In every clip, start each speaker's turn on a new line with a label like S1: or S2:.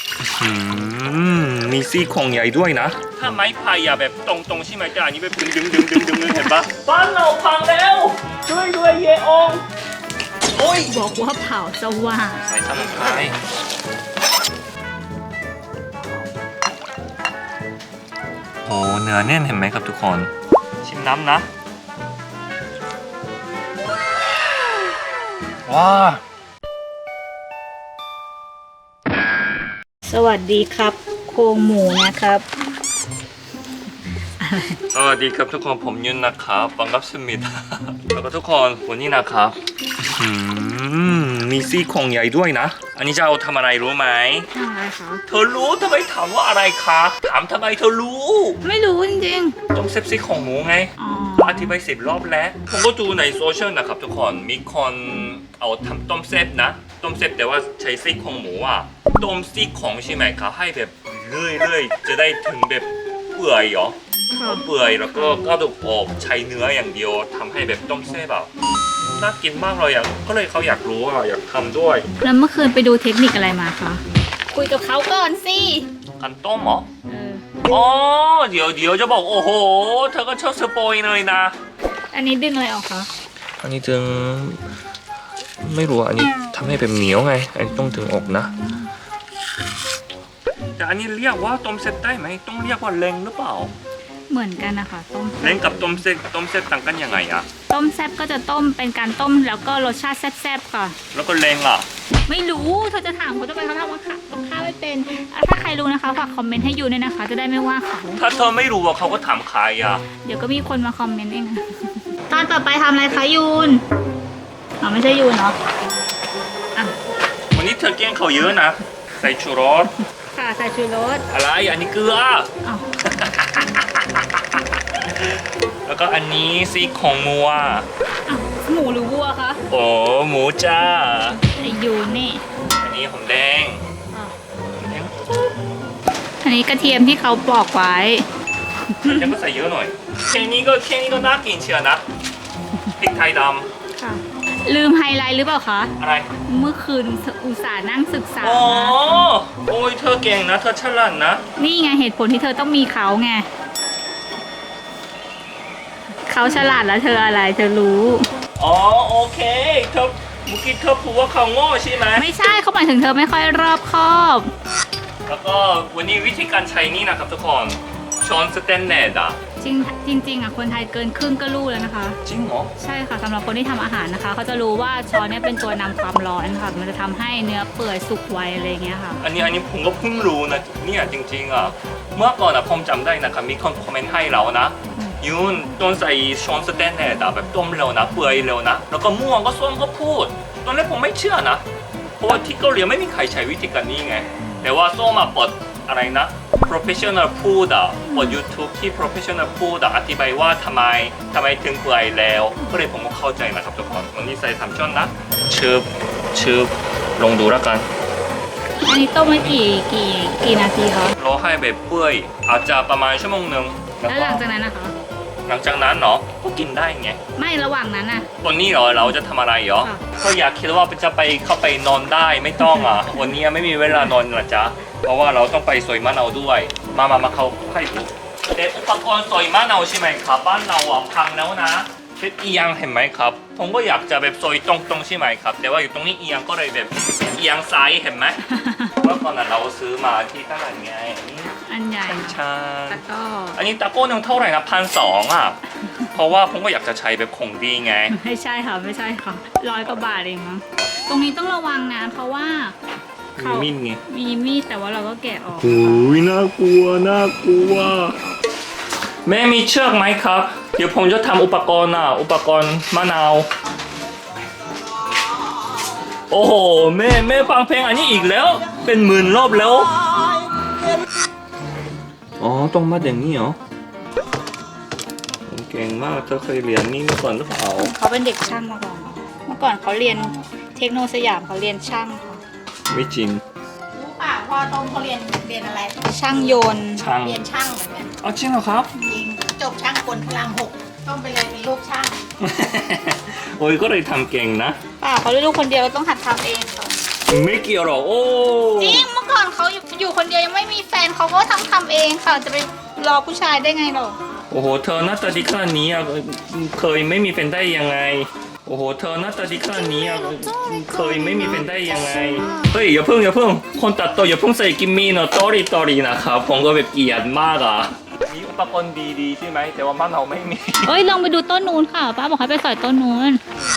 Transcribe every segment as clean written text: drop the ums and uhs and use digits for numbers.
S1: มีซี่โครงใหญ่ด้วยนะถ้าไม้พายแบบตรงๆใช่ไหมแต่อันนี้แบบดึงเห็นปะบ้านเราพังแล้วช่วยด้วยเยองโอ้ย
S2: บอกว่าเผาสว่าง
S1: ใส่สมุนไพรโอ้เนื้อแน่นเห็นไหมครับทุกคนชิมน้ำนะว้า
S2: สวัสดีครับโครงหมูนะครับ
S1: สวัสดีครับทุกคนผมยุนนะครับบังคับสมิธแล้วก็ทุกคนวันนี้นะครับมีซี่โครงใหญ่ด้วยนะอันนี้จะเอาทำอะไรรู้ไหม
S2: ทำอะไรคะ
S1: เธอรู้ทำไมถามว่าอะไรคะถามทำไมเธอรู้
S2: ไม่รู้จริง
S1: ต้มเซฟซี่โครงหมูไง
S2: ๆอ๋อ
S1: อธิบาย10 รอบแล้วผมก็ดูในโซเชียลนะครับทุกคนมีคนเอาทำต้มเซฟนะต้มเซฟแต่ว่าใช้ซี่โครงหมูอ่ะต้มซี่โครงใช่ไหมคะให้แบบเรื่อยๆจะได้ถึงแบบเปื่อยเหรอ
S2: ค่ะ
S1: เปื่อยแล้วก็กระดูกออกใช้เนื้ออย่างเดียวทำให้แบบต้มเส้นแบบน่ากินมากเลยอ่ะก็เลยเขาอยากรู้อ่ะอยากทำด้วย
S2: แล้วเมื่อคืนไปดูเทคนิคอะไรมาคะคุยกับเขาก่อนสิ
S1: กันต้มเหรอ
S2: เออ
S1: อ๋อเดี๋ยวจะบอกโอ้โหเธอก็ชอบสปอยเลยนะ
S2: อันนี้ดึงอะไรออกคะ
S1: อันนี้ถึงไม่รู้อันนี้ทำให้เป็นเหนียวไงอันนี้ต้องถึงออกนะแต่อันนี้เรียกว่าต้มเส้นได้ไหมต้องเรียกว่าเล้งหรือเปล่า
S2: เหมือนกันนะคะต้ม
S1: เล้งกับต้มเส้นต่างกันยังไงอ่ะ
S2: ต้มแซ่บก็จะต้มเป็นการต้มแล้วก็รสชาติแซ่บๆค่ะ
S1: แล้วก็เล้งอ่ะ
S2: ไม่รู้เธอจะถามเขาทำไมเขาทำว่าค่ะกับข้าวไม่เป็นถ้าใครรู้นะคะฝากคอมเมนต์ให้ยูด้วยนะคะ จะได้ไม่ว่าเขา
S1: ถ้าเธอไม่รู้ว่าเขาก็ถามใครอ่ะ
S2: เดี๋ยวก็มีคนมาคอมเมนต์เอง ตอนต่อไปทำอะไรคะยูนอ๋อไม่ใช่ยูนเนาะอ่ะ
S1: วันนี้เธอแกล้งเขาเยอะนะใส่ชูรส
S2: ค่ะใส่ชูรส
S1: อะไรอันนี้เกลือ
S2: อ้าว
S1: แล้วก็อันนี้ซี่โครงงัว
S2: อ้าวหมูหรือวัวคะ
S1: โอ้หมูจ้า
S2: ไอยูนนี่
S1: อันนี้หอมแดง
S2: อ่ะอันนี้กระเทียมที่เขาปอกไว้
S1: ยังก็ใส่เยอะหน่อยแค่นี้ก็น่ากินเชียวนะพริกไทยด
S2: ค่ะ ลืมไฮไลท์หรือเปล่าคะ
S1: ำอะไร
S2: เมื่อคืนอุตส่าห์นั่งศึกษา
S1: โอ้
S2: มา
S1: โอ้ยเธอเก่งนะเธอฉลาดนะ
S2: นี่ไงเหตุผลที่เธอต้องมีเขาไงเขาฉลาดแล้วเธออะไรเธอรู้
S1: อ๋อโอเคเธอเมื่อกี้เธอพูดว่าเขาโง่ใช่ไหม
S2: ไม่ใช่เขาหมายถึงเธอไม่ค่อยรอบคอบ
S1: แล้วก็วันนี้วิธีการใช้นี่นะครับทุกคนช้อนสแตนเลสอ่ะ
S2: จริงอ่ะคนไทยเกินครึ่งก็รู้แล้วนะคะ
S1: จริงเหรอ
S2: ใช่ค่ะสำหรับคนที่ทำอาหารนะคะเขาจะรู้ว่าช้อนเนี่ยเป็นตัวนำความร้อนค่ะมันจะทำให้เนื้อเปื่อยสุกไวอะไรอย่างเงี้ยค่ะ
S1: อันนี้ผมก็เพิ่งรู้นะเนี่ยจริงๆอ่ะเมื่อก่อนอ่ะผมจำได้นะครับมีคนคอมเมนต์ให้เรานะยูนต้นใส่ช้อนสแตนเลสอ่ะแบบต้มเร็วนะเปื่อยเร็วนะแล้วก็ม่วงก็ส้มก็พูดตอนแรกผมไม่เชื่อนะเพราะว่าที่เกาหลีไม่มีใครใช้วิธีการนี้ไงแต่ว่าส้มมาเปิดอะไรนะ professional พูดอ่ะเปิด YouTube ที่ professional พูดอ่ะอธิบายว่าทำไมถึงเปื่อยแล้วก็เลยผมก็เข้าใจนะครับทุกคนวันนี้ใส่3ช้อนนะชืบลองดูแล้วกัน
S2: อันนี้ต้มมากี่นาทีคะ
S1: รอให้แบบเปื่อยอาจจะประมาณชั่วโมงหนึ่ง
S2: แล้วหลังจากนั้นนะคะ
S1: หลังจากนั้นเนาะก็กินได้ไง
S2: ไม่ระหว่างนั้นอ่ะ
S1: วันนี้เหรอเราจะทำอะไรเหรอ
S2: ค่ะ
S1: ก็อยากคิดว่าจะไปเข้าไปนอนได้ไม่ต้องอ่ะ วันนี้ไม่มีเวลานอนนะจ๊ะเพราะว่าเราต้องไปสอยมะนาวด้วยมาเขาให้ดูแต่อุปกรณ์สอยมะนาวใช่ไหมครับบ้านเราอ่ะพังแล้วนะเช็ดเอียงเห็นไหมครับผมก็อยากจะแบบซอยตรงๆใช่ไหมครับแต่ว่าอยู่ตรงนี้เอียงก็เลยแบบเอียงซ้ายเห็นไหม เมื่อก่อนน่ะเราซื้อมาที่ตลาดไง
S2: อันใหญ่
S1: ใช่
S2: แล้วก็
S1: อันนี้ตะโก้หนึงเท่าไหร่นะ1,200อ่ะ เพราะว่าผมก็อยากจะใช้แบบของดีไง
S2: ไม่ใช่ค่ะไม่ใช่ค่ะ100 กว่าบาทเองมั้งตรงนี้ต้องระวังนะเพราะว่า
S1: มี
S2: เขา
S1: มีดไง
S2: มีมีดแต่ว่าเราก็แกะออก
S1: โอ้ยน่ากลัวแม่มีเชือกไหมครับ เดี๋ยวผมจะทำอุปกรณ์อุปกรณ์มะนาว โอ้โหแม่ฟังเพลงอันนี้อีกแล้ว เป็นหมื่นรอบแล้ว อ๋อต้องมาอย่างนี้เหรอเก่งมากเธอเคยเรียนนี่มาก่อนหรือเปล่า
S2: เขาเป็นเด็กช่างมาก่อนเมื่อก่อนเขาเรียนเทคโนสยามเขาเรียนช่างค่ะ
S1: ไม่จริง
S3: รู้ป่ะพ่อต้มเขาเรียนอะไร
S2: ช่างโยนต์
S1: ช่าง
S3: เรียนช่างเหมือนกัน
S1: อ๋อจริงเหรอครับ
S3: จริงจบช่างกลพระราม6ต้องไปเลยเป็นลูกช่าง
S1: โอ้ยก็เลยทำเก่งนะ
S2: ป่าเขาลูกคนเดียวต้องหัดทำเองค่ะ
S1: ไม่เกี่ยวหรอกโอ้
S2: จริงเมื่อก่อนเขาอยู่เขาก็ทำเองค่ะจะไปรอผู้ชายได้ไงหรอ
S1: โอ้โหเธอหน้าตาดีขนาดนี้อ่ะเคยไม่มีแฟนได้ยังไงโอ้โหเธอหน้าตาดีขนาดนี้อ่ะเคยไม่มีแฟนได้ยังไงเฮ้ยอย่าเพิ่งคนตัดต่ออย่าเพิ่งใส่กิมมี่เนาะตอรี่นะครับผมก็แบบเกลียดมากอ่ะมีอุปกรณ์ดีๆใช่ไหมแต่ว่าบ้านเราไม่มี
S2: เอ้ยลองไปดูต้นนู้นค่ะป้าบอกให้ไปสอยต้นนู้น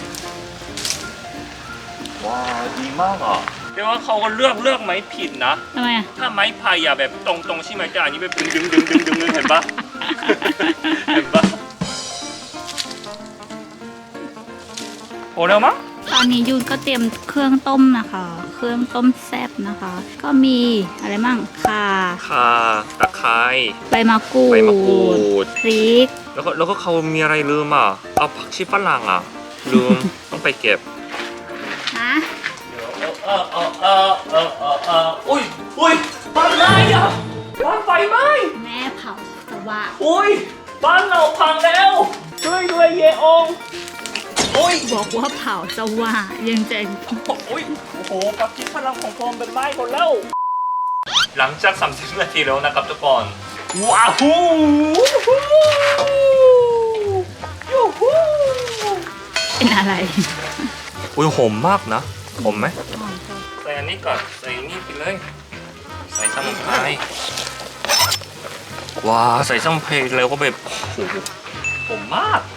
S1: ว้าวดีมากอ่ะแต่ว่าเขาก็เลือกไม้ผิดนะ
S2: ทำไมอ่ะ
S1: ถ้าไม้พายอะแบบตรงๆใช่ไหมแต่อันนี้แบบดึงเห็นปะ เห็นปะโอ้เร็วมั้ง
S2: ตอนนี้ยูนก็เตรียมเครื่องต้มนะคะ เครื่องต้มแซ่บนะคะ ก็มีอะไรมั่งข่า
S1: ข่าตะไคร้
S2: ใบมะกรู
S1: ใบมะกรู
S2: ด
S1: ด
S2: พริก
S1: แล้วก็เขามีอะไรลืมอ่ะเอาผักชีฝรั่งอ่ะลืม ต้องไปเก็บ
S2: นะ
S1: เดี๋ยวอุ้ยบ้านไหม้อ่ะบ้านไฟไหม้
S2: แม่เผาสว่าง
S1: อุ้ยบ้านเราพังแล้วด้วยเยองอุ้ย
S2: บอกว่าเผาสว่างยังจะ
S1: อุ้ยโอ้โหปักกี้พลังของผมเป็นไม้หมดแล้ว หลังจาก30 นาทีแล้วนะครับทุกคนว้าวฮูยูฮู
S2: เป็นอะไร
S1: อุ้ยหอมมากนะหอมไหมใส่อันนี้ก่อนใส่นี่ไปเลยใส่สมุนไพรว้าใส่สมุนไพรแล้วก็แบบโอ้โหหอมมาก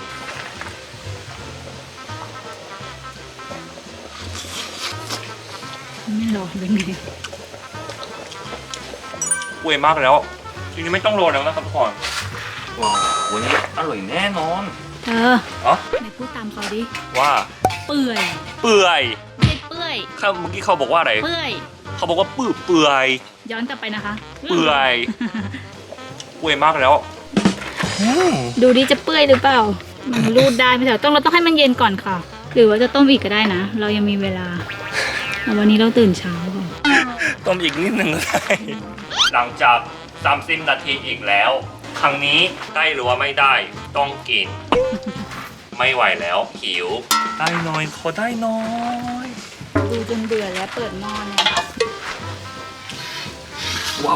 S2: ไม่ร้อนเป็นไง
S1: อวยมากแล้วทีนี้ไม่ต้องรอแล้วนะครับทุกคนว้าววันนี้อร่อยแน่นอน
S2: เธอ
S1: อ๋อ
S2: ไหนพูดตามเขาดิ
S1: ว่า
S2: เปื่อย
S1: เปื่อย
S2: ไม่ใช่เปื่อย
S1: เมื่อกี้เขาบอกว่าอะไร
S2: เปื่อย
S1: เขาบอกว่าเปื่อย
S2: ย้อนกลับไปนะคะ
S1: เปื่อยอวยมากแล้วอืม
S2: ดูดิจะเปื่อยหรือเปล่า มันรูดได้ไหมแต่เราต้องให้มันเย็นก่อนค่ะ หรือว่าจะต้มอีกก็ได้นะ เรายังมีเวลาแต่วันนี้เราตื่นเช้าค่ะ
S1: ต้มอีกนิดนึงก็ได้ หลังจาก30 นาทีอีกแล้ว ครั้งนี้ได้หรือว่าไม่ได้ต้องกิน ไม่ไหวแล้วหิว ได้หน่อยขอได้หน้อย
S2: ดูจนเบื่อแล้วเปิดหม้อเนี่ย
S1: ว้าว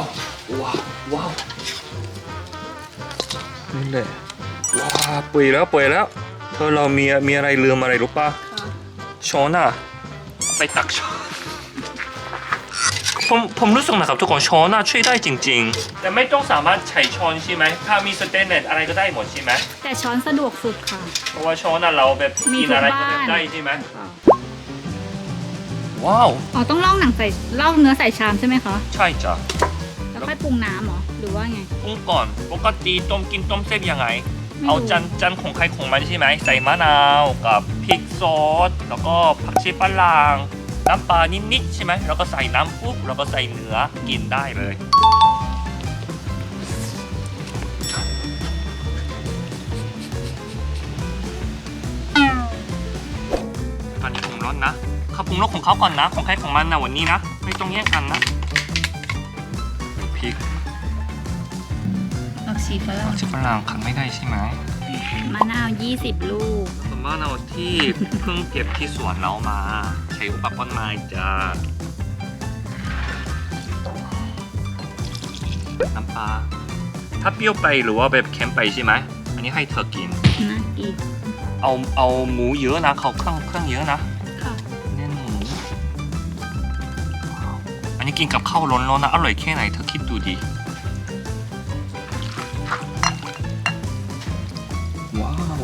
S1: นี่แหละว้าวเปื่อยแล้วเธอเรามีอะไรลืมอะไรรู้ป่ะ ช้อนอะไปตักช้อนผมรู้สึกนะครับทุกคนช้อนอะช่วยได้จริงๆ แต่ไม่ต้องสามารถใช้ช้อนใช่ไหมถ้ามีสเตนเลสอะไรก็ได้หมดใช่ไหม
S2: แต่ช้อนสะดวกสุดค่ะ
S1: เพราะว่าช้อนอะเราแบบ
S2: มี
S1: กิน
S2: ทุก
S1: อะไรก็
S2: บ้าน
S1: ได้ใช่ไหมว้าว
S2: อ๋อต้องล่องหนังใส่ล่องเนื้อใส่ชามใช่ไหมคะ
S1: ใช่จ้ะ
S2: แล้วค่อยปรุงน้ำเหรอหรือว่าไง
S1: ปรุงก่อนปกติกินต้มเส้นยังไง
S2: ไม่รู้
S1: เอาจานของใครของมันใช่ไหมใส่มะนาวกับพริกซอสแล้วก็ผักชีฝรั่งน้ำปลานิดๆใช่ไหมแล้วก็ใส่น้ำปุ๊บแล้วก็ใส่เนื้อกินได้เลยตอนนี้ผมร้อนนะเขาปรุงรสของเขาก่อนนะ ของใครของมันนะวันนี้นะไม่ต้องแย่งกันนะพริก
S2: ผักชีฝรั่ง
S1: ผักชีฝรั่งขันไม่ได้ใช่ไหม
S2: มะนาว20 ลูก
S1: มะนาวที่เพิ่งเก็บที่สวนเรามาใช้อุปกรณ์ไม้จ้าน้ำปลาถ้าเปรี้ยวไปหรือว่าแบบเค็มไปใช่ไหมอันนี้ให้เธอกิน
S2: น่ากิน
S1: เอาหมูเยอะนะเขาเครื่องเยอะนะ
S2: ค่ะ
S1: เน้นหมูอันนี้กินกับข้าวร้อนๆนะอร่อยแค่ไหนเธอคิดดูดิว้าว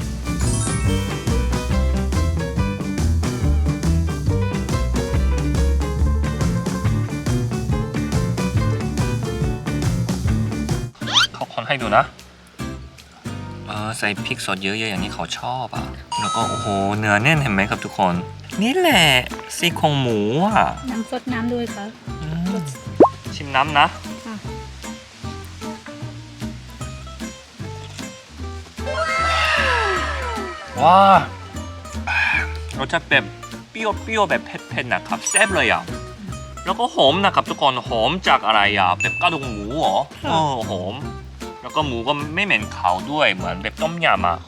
S1: เขาคนให้ดูนะใส่พริกสดเยอะๆอย่างนี้เขาชอบอ่ะแล้วก็โอ้โหเนื้อแน่นเห็นไหมครับทุกคน นี่แหละซี่โครงหมูอ่ะ
S2: น้ำซดน้ำด้วยค่ะ
S1: ชิมน้ำนะ
S2: ค่ะ
S1: ว้ารสชาติแบบเปรี้ยวแบบเผ็ดๆนะครับแซ่บเลยอ่ะแล้วก็หอมนะครับทุกคนหอมจากอะไรอ่ะแบบกระดูกหมูเหรอหอมแล้วก็หมูก็ไม่เหม็นขาวด้วยเหมือนแบบต้มยำอ่ะ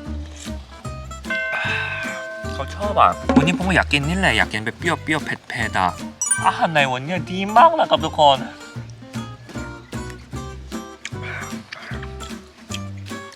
S1: เขาชอบอ่ะวันนี้ผมก็อยากกินนี่แหละอยากกินแบบเปรี้ยวเผ็ดๆอ่ะอาหารในวันนี้ดีมากนะครับทุกคน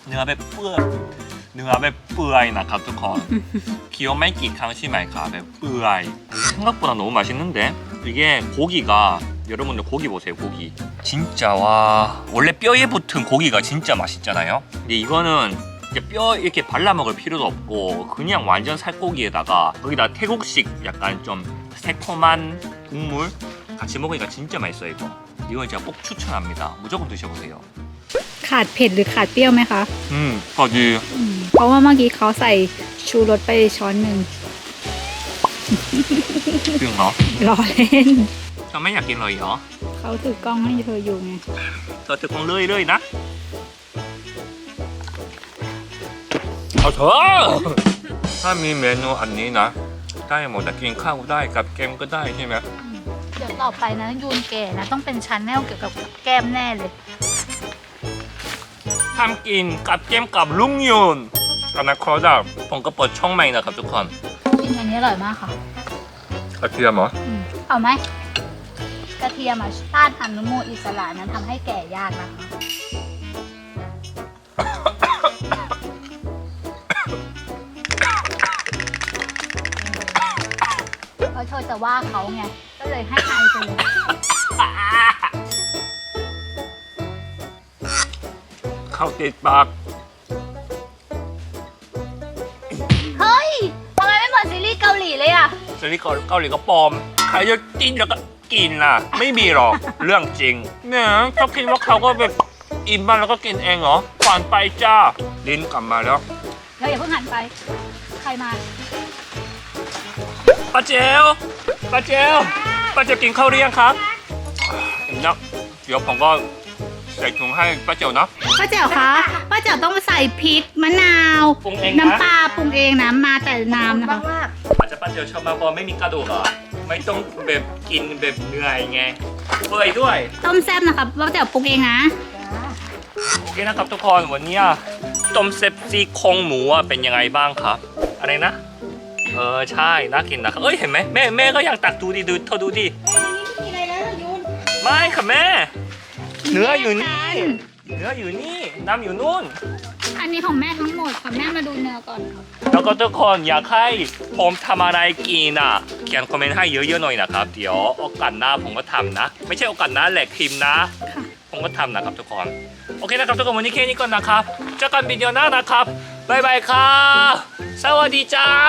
S1: เนื้อแบบเปื่อยเนื้อแบบเปื่อยนะครับทุกคนเคี้ยวไม่กี่ครั้งใช่ไหมครับแบบเปื่อย 생각보다 너무 맛있는데 이게 고기가 여러분들 고기 보세요 고기 진짜 와 원래 뼈에 붙은 고기가 진짜 맛있잖아요 근데 이거는 이제 뼈 이렇게 발라 먹을 필요도 없고 그냥 완전 살코기에다가 거기다 태국식 약간 좀 새콤한 국물 같이 먹으니까 진짜 맛있어요 이거 진짜 꼭 추천합니다 무조건 드셔보세요
S2: ขาดเผ็ดหรือขาดเปรี้ยวไหมคะ
S1: 거지
S2: เพราะว่าเมื่อกี้เขาใส่ชูรสไปช้อนหนึ่ง
S1: 뿅 너?
S2: รอเล่น
S1: 저ไม่อยากกินเลยเหรอ
S2: เขาถือกล้องให้เธออยู่ไง
S1: เธอถือกล้องเลยนะเอาเถอะถ้ามีเมนูอันนี้นะได้หมดแต่กินข้าวได้กับแกมก็ได้ใช่ไหม
S2: เดี๋ยวต่อไปนะยูนแก่นะต้องเป็นชาแนลเกี่ยวกับแก้มแน่เลย
S1: ทำกินกับแกมกับลุงยุนอนาคตอะผมก็เปิดช่องใหม่นะครับทุกคน
S2: กินอันนี้อร่อยมากค่ะ
S1: กระเทียมเหรอ
S2: เอาไหมกระเทียมอะต้านอนุมูลอิสระนั้นทำให้แก่ยากนะคะ เพราะเธอจะว่าเขาไง ก็เลยให้ไอไปเลย
S1: เข้าติดปาก
S2: เฮ้ยทำไมไม่เหมือนซีรีส์เกาหลีเลยอะ
S1: ซีรีส์เกาหลีก็ปลอมใครจะกินแล้วก็กินล่ะ ไม่มีหรอก เรื่องจริงเนี่ยชอบคิดว่าเขาก็แบบอิ่มบ้างแล้วก็กินเองเหรอฝันไปจ้าลิ้นกลับมาแล้ว
S2: เราอย่าเพิ่งหันไป ใครมา
S1: ป้าเจลป้าเจลป้าเจลกินข้าวหรือยังครับนะเดี๋ยวผมก็ใส่ถุงให้ป้าเจลนะ
S2: ป้าแจ๋วคะป้าแจ๋วต้องใส่พริกมะนาว
S1: ปรุงเองนะ
S2: น้ำปลาปรุงเองนะมาแต่น้ำนะคะ
S3: มาก
S1: อาจจะป้าเจลชอบมากเพราะไม่มีกระดูกอ่ะไม่ต้องแบบกินแบบเหนื่อยไงเปื่อยด้วย
S2: ต้มแซ่บนะคะป้าแจ๋วปรุงเองนะ
S1: โอเคนะครับทุกคนวันนี้ต้มเซฟซี่โครงหมูอะเป็นยังไงบ้างครับอะไรนะใช่น่ากินนะครับเอ้ยเห็นไหมแม่ก็อยากตักดูดิดูเธอดูดิ
S3: ๆในนี้ไม่มีอะไรแล้วยูน
S1: ไม่ค่ะแม่เนื้ออยู่นี่เนื้ออยู่นี่น้ำอยู่นู่น
S2: อันนี้ของแม่ทั้งหมดค่ะแม่มาดูเนื้อก่อนค่ะ
S1: แล้วก็ทุกคนอยากให้ผมทำอะไรกินอ่ะเขียนคอมเมนต์ให้เยอะๆหน่อยนะครับเดี๋ยวโอกาสหน้าผมก็ทำนะ ไม่ใช่โอกาสหน้าแหลกพิมพ์นะ
S2: ค่ะ
S1: ผมก็ทำนะครับทุกคนโอเคนะครับทุกคนวันนี้แค่นี้ก่อนนะครับเจอกันวิดีโอหน้านะครับบ๊ายบายครับสวัสดีเจ้า